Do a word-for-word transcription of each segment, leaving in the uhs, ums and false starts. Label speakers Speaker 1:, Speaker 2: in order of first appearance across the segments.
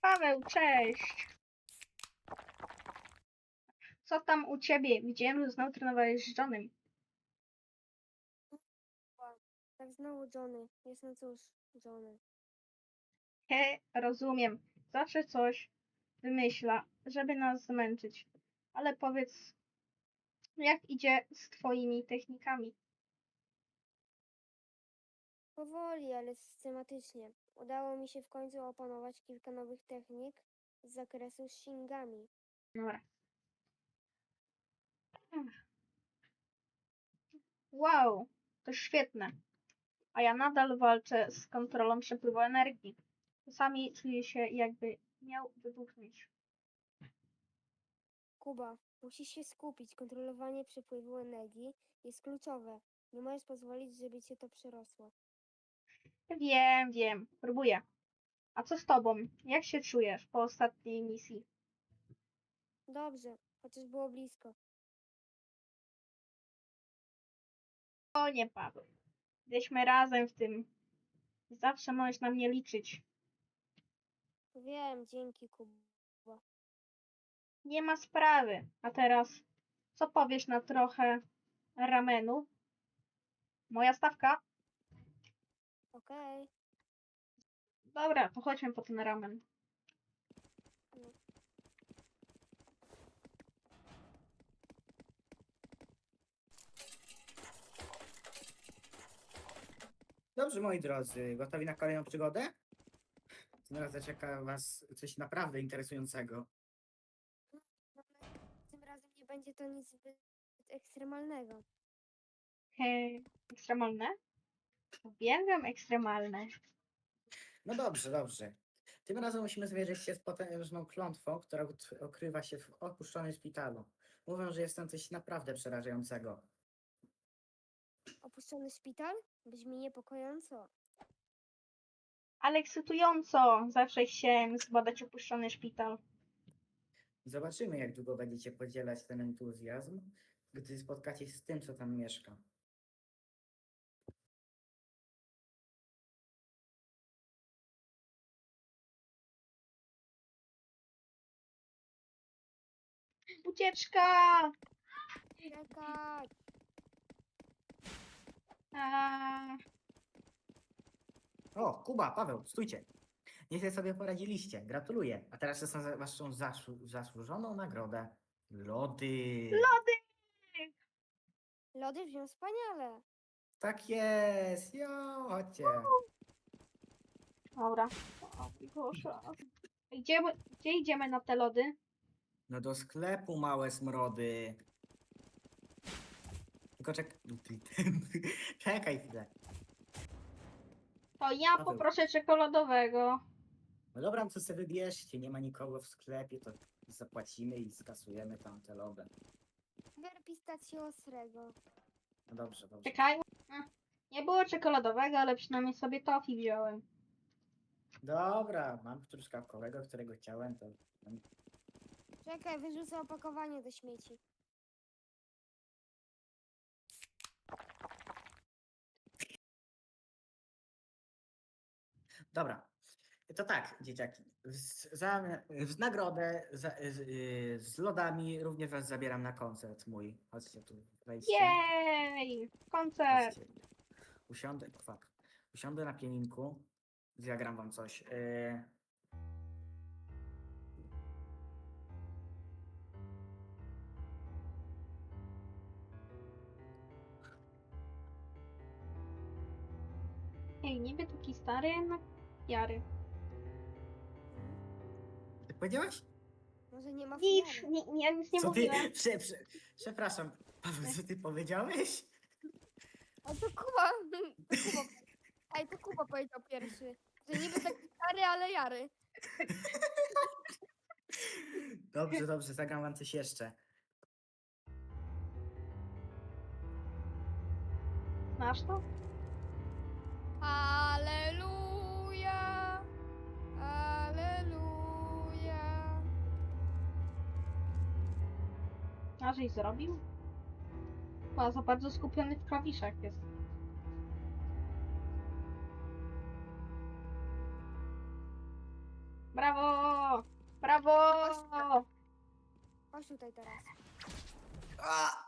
Speaker 1: Paweł, cześć! Co tam u ciebie? Widziałem, że znowu trenowałeś z Johnem.
Speaker 2: Tak znowu Johnny. Jest no cóż, Johnny.
Speaker 1: He, rozumiem. Zawsze coś wymyśla, żeby nas zmęczyć. Ale powiedz, jak idzie z twoimi technikami?
Speaker 2: Powoli, ale systematycznie. Udało mi się w końcu opanować kilka nowych technik z zakresu shingami.
Speaker 1: Dobra. Wow, to świetne. A ja nadal walczę z kontrolą przepływu energii. Czasami czuję się, jakby miał wybuchnąć.
Speaker 2: Kuba, musisz się skupić. Kontrolowanie przepływu energii jest kluczowe. Nie możesz pozwolić, żeby cię to przerosło.
Speaker 1: Wiem, wiem, próbuję. A co z tobą? Jak się czujesz po ostatniej misji?
Speaker 2: Dobrze, chociaż było blisko.
Speaker 1: O nie, Paweł. Jesteśmy razem w tym. Zawsze możesz na mnie liczyć.
Speaker 2: Wiem, dzięki Kuba.
Speaker 1: Nie ma sprawy. A teraz, co powiesz na trochę ramenu? Moja stawka?
Speaker 2: Okej.
Speaker 1: Dobra, to chodźmy po ten ramen.
Speaker 2: No.
Speaker 3: Dobrze, moi drodzy, gotowi na kolejną przygodę? Tym razem czeka was coś naprawdę interesującego.
Speaker 2: Tym razem nie będzie to nic zbyt ekstremalnego.
Speaker 1: Hej, ekstremalne? Uwielbiam ekstremalne.
Speaker 3: No dobrze, dobrze. Tym razem musimy zmierzyć się z potężną klątwą, która ut- ukrywa się w opuszczonym szpitalu. Mówią, że jest tam coś naprawdę przerażającego.
Speaker 2: Opuszczony szpital? Brzmi niepokojąco.
Speaker 1: Ale ekscytująco. Zawsze chciałem zbadać opuszczony szpital.
Speaker 3: Zobaczymy, jak długo będziecie podzielać ten entuzjazm, gdy spotkacie się z tym, co tam mieszka.
Speaker 1: Ucieczka!
Speaker 2: Czekaj!
Speaker 1: A,
Speaker 3: O, Kuba, Paweł, stójcie. Nieźle sobie poradziliście. Gratuluję. A teraz czas na waszą zasłu- zasłużoną nagrodę. Lody.
Speaker 1: lody!
Speaker 2: Lody brzmią wspaniale.
Speaker 3: Tak jest. Jo, chodźcie.
Speaker 1: Dobra. O, proszę. Gdzie, gdzie idziemy na te lody?
Speaker 3: No do sklepu, małe smrody. Tylko czek... Czekaj chwilę.
Speaker 1: To ja
Speaker 3: Paweł.
Speaker 1: poproszę czekoladowego.
Speaker 3: No dobra, no to sobie wybierzcie. Nie ma nikogo w sklepie, to zapłacimy i skasujemy tam te lody.
Speaker 2: Bier pistacjo ostrego.
Speaker 3: No dobrze, dobrze.
Speaker 1: Czekaj. A, nie było czekoladowego, ale przynajmniej sobie tofi wziąłem.
Speaker 3: Dobra, mam truskawkowego, którego chciałem, to...
Speaker 2: Czekaj, wyrzucę opakowanie do śmieci.
Speaker 3: Dobra. To tak, dzieciaki. W, za, w nagrodę za, z, y, z lodami również was zabieram na koncert mój. Chodźcie tu, wejdźcie.
Speaker 1: Jej! Koncert!
Speaker 3: Chodźcie. Usiądę, fuck. Usiądę na pianinku. Zagram wam coś. Y,
Speaker 1: Ej, niby taki stary, jednak jary.
Speaker 3: Ty powiedziałaś?
Speaker 2: Może nie ma
Speaker 1: Nic,
Speaker 2: fiary.
Speaker 1: ni, ni, ja nic nie
Speaker 3: Co ty?
Speaker 1: mówiłem.
Speaker 3: Prze, prze, przepraszam, Paweł, co ty powiedziałeś?
Speaker 2: A to Kuba. To Kuba. Ej, to Kuba powiedział pierwszy. Że niby taki stary, ale jary.
Speaker 3: Dobrze, dobrze, zagram wam coś jeszcze.
Speaker 1: Znasz to?
Speaker 2: Aleluja. Aleluja.
Speaker 1: A żeś zrobił? Chyba za bardzo skupiony w klawiszach jest. Brawo! Brawo!
Speaker 2: Chodź tutaj teraz.
Speaker 3: A!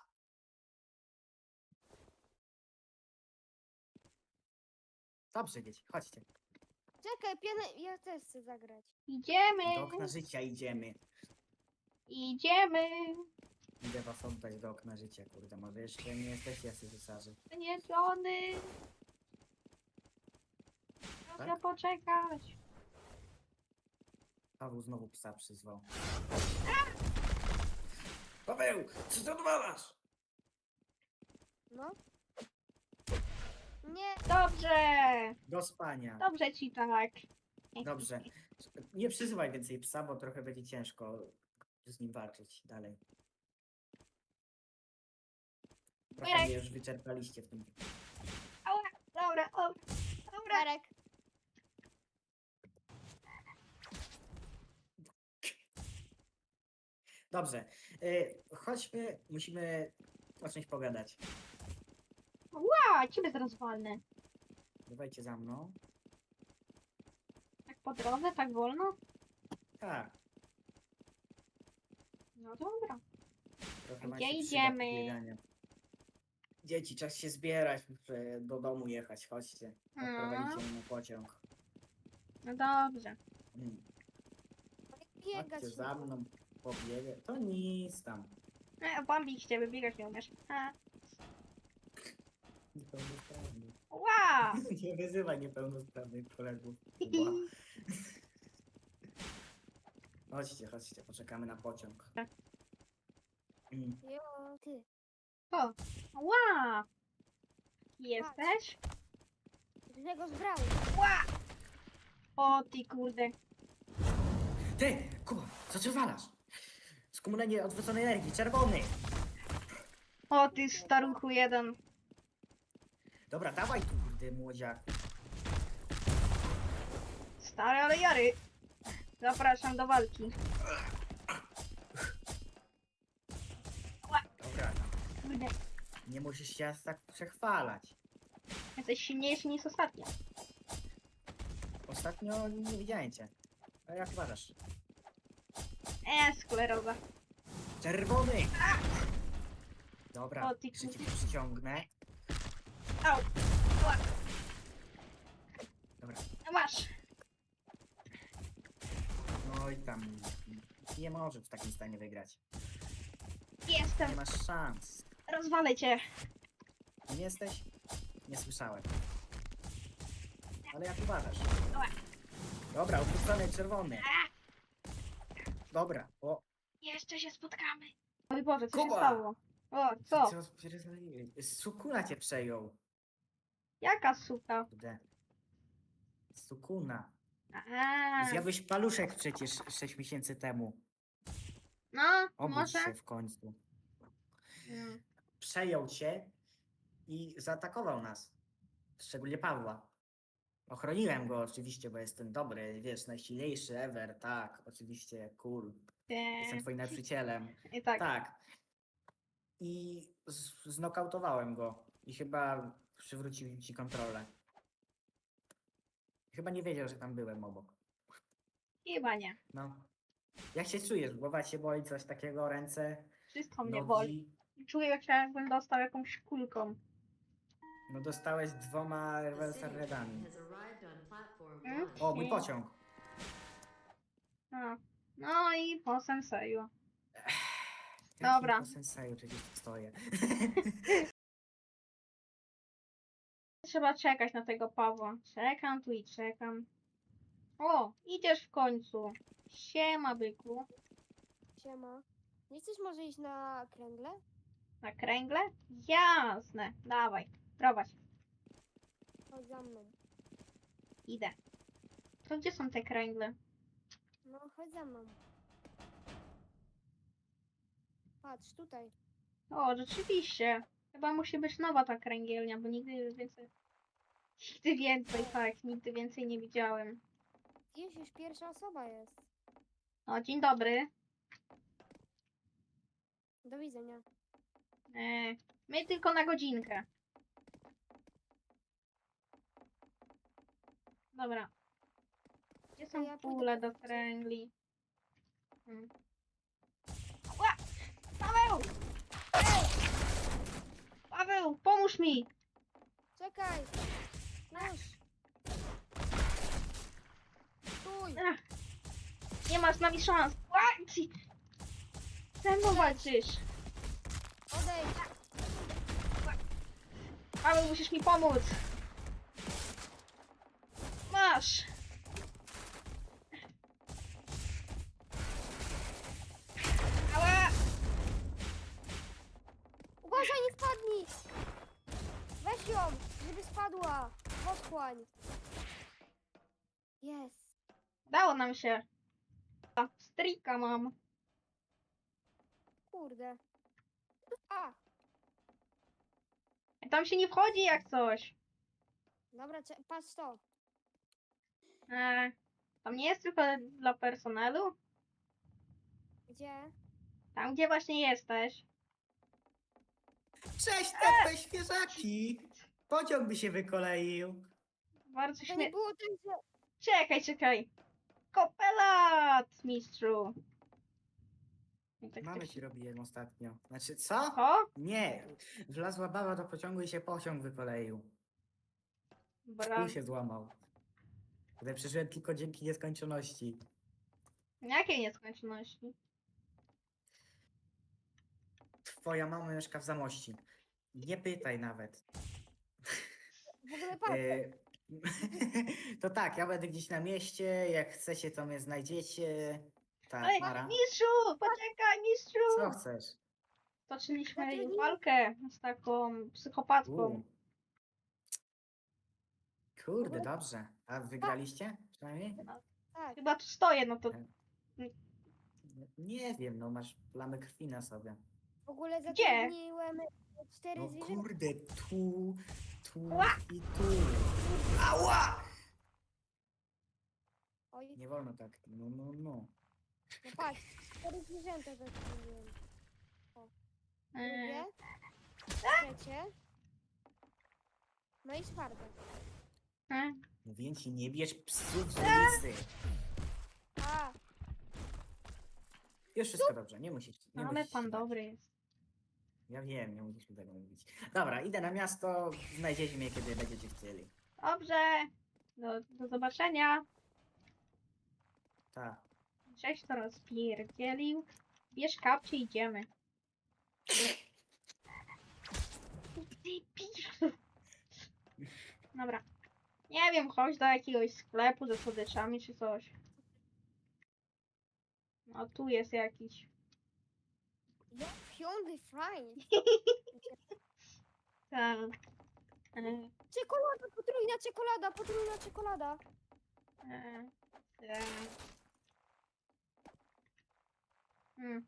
Speaker 3: Dobrze, dzieci, chodźcie.
Speaker 2: Czekaj, pianę, ja też chcę zagrać.
Speaker 1: Idziemy!
Speaker 3: Do okna życia idziemy.
Speaker 1: Idziemy!
Speaker 3: Idę was oddać do okna życia, kurde. Może jeszcze nie jesteście jacy cesarzy.
Speaker 1: Nie żony! Proszę
Speaker 3: Tak?
Speaker 1: poczekać.
Speaker 3: Paweł znowu psa przyzwał. Paweł, co ty odwalasz?
Speaker 2: No. Nie,
Speaker 1: Dobrze!
Speaker 3: Do spania.
Speaker 1: Dobrze ci tak.
Speaker 3: Dobrze. Nie przyzywaj więcej psa, bo trochę będzie ciężko z nim walczyć dalej. Trochę
Speaker 1: Mirek.
Speaker 3: mnie już wyczerpaliście w tym.
Speaker 1: Ała, dobra, dobra, dobra.
Speaker 2: Marek.
Speaker 3: Dobrze. Y, chodźmy, musimy o czymś pogadać.
Speaker 1: Ła, ciebie zaraz walnę.
Speaker 3: Dawajcie za mną.
Speaker 1: Tak po drodze, tak wolno?
Speaker 3: Tak.
Speaker 1: No dobra.
Speaker 3: Trochę nam
Speaker 1: Gdzie
Speaker 3: się przyda
Speaker 1: idziemy?
Speaker 3: pobieganie. Dzieci, czas się zbierać, muszę do domu jechać, chodźcie. Odprowadzicie mnie na pociąg.
Speaker 1: No dobrze.
Speaker 3: Mm.
Speaker 2: Biegać.
Speaker 3: Chodźcie za mną, pobiegę. To nic tam.
Speaker 1: E, Bambik z ciebie biegać nie umiesz. A.
Speaker 3: Niepełnosprawny.
Speaker 1: Ła!
Speaker 3: Nie wyzywaj niepełnosprawnych kolegów. Kuba. Chodźcie, chodźcie, poczekamy na pociąg. Mm.
Speaker 2: Jo, ty.
Speaker 1: O! Ła! Jesteś?
Speaker 2: Grzegorz Braun.
Speaker 1: Ła! O ty kurde.
Speaker 3: Ty, Kuba, co ty walasz? Skumulenie odwróconej energii, czerwony!
Speaker 1: O ty staruchu jeden.
Speaker 3: Dobra, dawaj tu, kurde, młodziaku.
Speaker 1: Stary, ale jary. Zapraszam do walki.
Speaker 3: Dobra,
Speaker 1: Kurde,
Speaker 3: nie musisz się aż tak przechwalać.
Speaker 1: jesteś silniejszy niż ostatnio.
Speaker 3: Ostatnio nie widziałem cię. A jak uważasz?
Speaker 1: E, skleroza.
Speaker 3: Czerwony! Dobra,
Speaker 1: O, ty
Speaker 3: jeszcze cię
Speaker 1: kurde.
Speaker 3: przyciągnę.
Speaker 1: Au. Ła.
Speaker 3: Dobra,
Speaker 1: No masz.
Speaker 3: no i tam. Nie możesz w takim stanie wygrać.
Speaker 1: Jestem.
Speaker 3: Nie masz szans.
Speaker 1: Rozwalę cię.
Speaker 3: Nie jesteś? Nie słyszałem. Ale jak uważasz?
Speaker 1: Ła.
Speaker 3: Dobra, odwrócony czerwony. Dobra, o.
Speaker 1: Jeszcze się spotkamy. Oj Boże, co się
Speaker 3: Kuba!
Speaker 1: stało? O, co?
Speaker 3: Co? Sukuna cię przejął.
Speaker 1: Jaka suka?
Speaker 3: Kurde. Sukuna.
Speaker 1: Aha.
Speaker 3: Zjadłeś paluszek przecież sześć miesięcy temu.
Speaker 1: No,
Speaker 3: Obudź
Speaker 1: może?
Speaker 3: się w końcu.
Speaker 1: Mm.
Speaker 3: Przejął cię i zaatakował nas. Szczególnie Pawła. Ochroniłem go oczywiście, bo jestem dobry, wiesz, najsilniejszy ever, tak, oczywiście, cool. Jestem
Speaker 1: E,
Speaker 3: twoim nauczycielem.
Speaker 1: I tak.
Speaker 3: Tak. I z- znokautowałem go. I chyba przywrócił ci kontrolę. Chyba nie wiedział, że tam byłem obok.
Speaker 1: Chyba nie.
Speaker 3: No. Jak się czujesz? Głowa cię boli, coś takiego, ręce,
Speaker 1: Wszystko mnie
Speaker 3: nogi?
Speaker 1: boli. Czuję, jak jakbym dostał jakąś kulką.
Speaker 3: No dostałeś dwoma reverse redami.
Speaker 1: Mm?
Speaker 3: O, mój pociąg.
Speaker 1: No. No i po senseju.
Speaker 3: Jakim
Speaker 1: Dobra.
Speaker 3: po senseju przecież tu stoję.
Speaker 1: Trzeba czekać na tego Pawła. Czekam tu i czekam. O, idziesz w końcu. Siema, byku.
Speaker 2: Siema. Nie chcesz może iść na kręgle?
Speaker 1: Na kręgle? Jasne. Dawaj, prowadź.
Speaker 2: Chodź za mną.
Speaker 1: Idę. To gdzie są te kręgle?
Speaker 2: No, chodź za mną. Patrz, tutaj.
Speaker 1: O, rzeczywiście. Chyba musi być nowa ta kręgielnia, bo nigdy więcej... Nigdy więcej, tak, nigdy więcej nie widziałem.
Speaker 2: Jest już pierwsza osoba jest.
Speaker 1: O, dzień dobry.
Speaker 2: Do widzenia.
Speaker 1: E, my tylko na godzinkę. Dobra. Gdzie
Speaker 2: To
Speaker 1: są
Speaker 2: ja pójdę
Speaker 1: pule
Speaker 2: po
Speaker 1: do
Speaker 2: fakty.
Speaker 1: kręgli? Hmm. Ła! Paweł! Ej! Paweł, pomóż mi!
Speaker 2: Czekaj! Już! Stój!
Speaker 1: Ach, nie masz z nami szans! Ła! Ci- Ze mną walczysz!
Speaker 2: Odejdź!
Speaker 1: Paweł, musisz mi pomóc! Masz! Ała!
Speaker 2: Uważaj, nie spadnij! Weź ją, żeby spadła! Otchłań! Jest!
Speaker 1: Udało nam się! A, Strika mam.
Speaker 2: Kurde! A!
Speaker 1: Tam się nie wchodzi jak coś.
Speaker 2: Dobra, cze- patrz to!
Speaker 1: E, tam nie jest tylko dla personelu?
Speaker 2: Gdzie?
Speaker 1: Tam, gdzie właśnie jesteś.
Speaker 3: Cześć, te świeżaki! Pociąg by się wykoleił.
Speaker 1: Bardzo
Speaker 2: To nie
Speaker 1: śmie...
Speaker 2: było tak, że...
Speaker 1: Czekaj, czekaj. Kopelat, mistrzu. I tak
Speaker 3: Mamy
Speaker 1: ktoś-
Speaker 3: ci robiłem ostatnio. Znaczy, co?
Speaker 1: O,
Speaker 3: Nie. Wlazła baba do pociągu i się pociąg wykoleił.
Speaker 1: bra.
Speaker 3: Pół się złamał. Ale przeżyłem tylko dzięki nieskończoności.
Speaker 1: Jakiej nieskończoności?
Speaker 3: Twoja mama mieszka w Zamości. Nie pytaj nawet.
Speaker 2: W ogóle patrz!
Speaker 3: E, to tak, ja będę gdzieś na mieście. Jak chcecie, to mnie znajdziecie. Tak,
Speaker 1: Ej,
Speaker 3: Mara.
Speaker 1: mistrzu, poczekaj, mistrzu.
Speaker 3: Co chcesz?
Speaker 1: Toczyliśmy
Speaker 2: Zatrudnij-
Speaker 1: walkę z taką psychopatką.
Speaker 3: U. Kurde, dobrze. A wygraliście przynajmniej?
Speaker 2: Tak,
Speaker 1: Chyba tu stoję, no to
Speaker 3: Nie wiem, no masz plamy krwi na sobie.
Speaker 2: w ogóle
Speaker 1: Gdzie?
Speaker 2: zatrudniłem cztery
Speaker 3: No
Speaker 2: zwierzęta.
Speaker 3: kurde, tu, tu
Speaker 1: Ła!
Speaker 3: i tu. Ała!
Speaker 2: Oj,
Speaker 3: Nie wolno tak. No, no, no.
Speaker 2: no patrz, cztery zwierzęta zatrudniłem.
Speaker 1: e,
Speaker 2: Drugie, trzecie, no i czwarte.
Speaker 1: e,
Speaker 3: Mówię ci, nie bierz psów z ulicy.
Speaker 2: A,
Speaker 3: Już wszystko dobrze, nie musisz. Nie
Speaker 1: ale
Speaker 3: musisz
Speaker 1: pan
Speaker 3: się bać.
Speaker 1: dobry jest.
Speaker 3: Ja wiem, nie musisz mi tego mówić. Dobra, idę na miasto, znajdziecie mnie, kiedy będziecie chcieli.
Speaker 1: Dobrze. Do, do zobaczenia.
Speaker 3: Tak.
Speaker 1: Żeś to rozpierdzielił. Bierz kapcie, idziemy. Ty pisz. Dobra. Nie wiem, chodź do jakiegoś sklepu ze słodyczami czy coś. No tu jest jakiś.
Speaker 2: ja piąty fajnie.
Speaker 1: Tak. E,
Speaker 2: Czekolada, potrójna czekolada, potrójna czekolada.
Speaker 1: e, e. Hmm.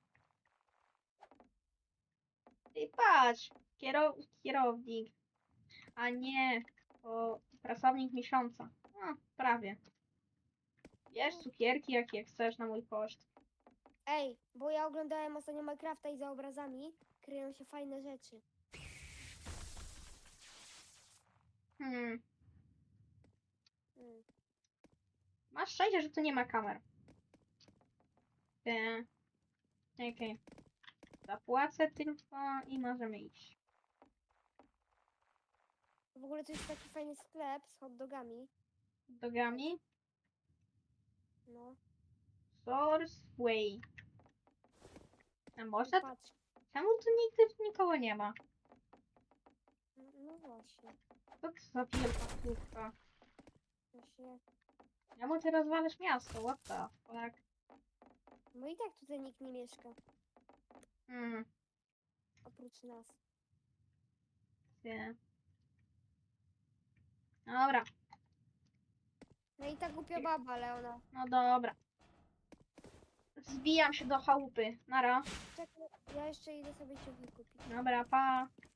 Speaker 1: Ty patrz, kiero, kierownik, a nie o pracownik miesiąca. No, prawie. Bierz cukierki, jakie chcesz na mój koszt.
Speaker 2: Ej, bo ja oglądałem ostatnio Minecrafta i za obrazami kryją się fajne rzeczy.
Speaker 1: Hmm.
Speaker 2: Mm.
Speaker 1: Masz szczęście, że tu nie ma kamer. E, Okej. Zapłacę tylko i możemy iść.
Speaker 2: W ogóle to jest taki fajny sklep z hot dogami.
Speaker 1: Dogami.
Speaker 2: No,
Speaker 1: Source Way. A można?
Speaker 2: patrz.
Speaker 1: Czemu tu nigdy nikogo nie ma?
Speaker 2: No, no właśnie.
Speaker 1: Co to za wielka kurka?
Speaker 2: Właśnie.
Speaker 1: Czemu ty rozwalasz miasto? What the fuck?
Speaker 2: No i tak tutaj nikt nie mieszka.
Speaker 1: Hmm.
Speaker 2: Oprócz nas.
Speaker 1: Nie. Dobra.
Speaker 2: No i ta głupia baba, Leona.
Speaker 1: No dobra. Zbijam się do chałupy. Nara.
Speaker 2: Czekaj, ja jeszcze idę sobie ciuchy kupić.
Speaker 1: Dobra, pa.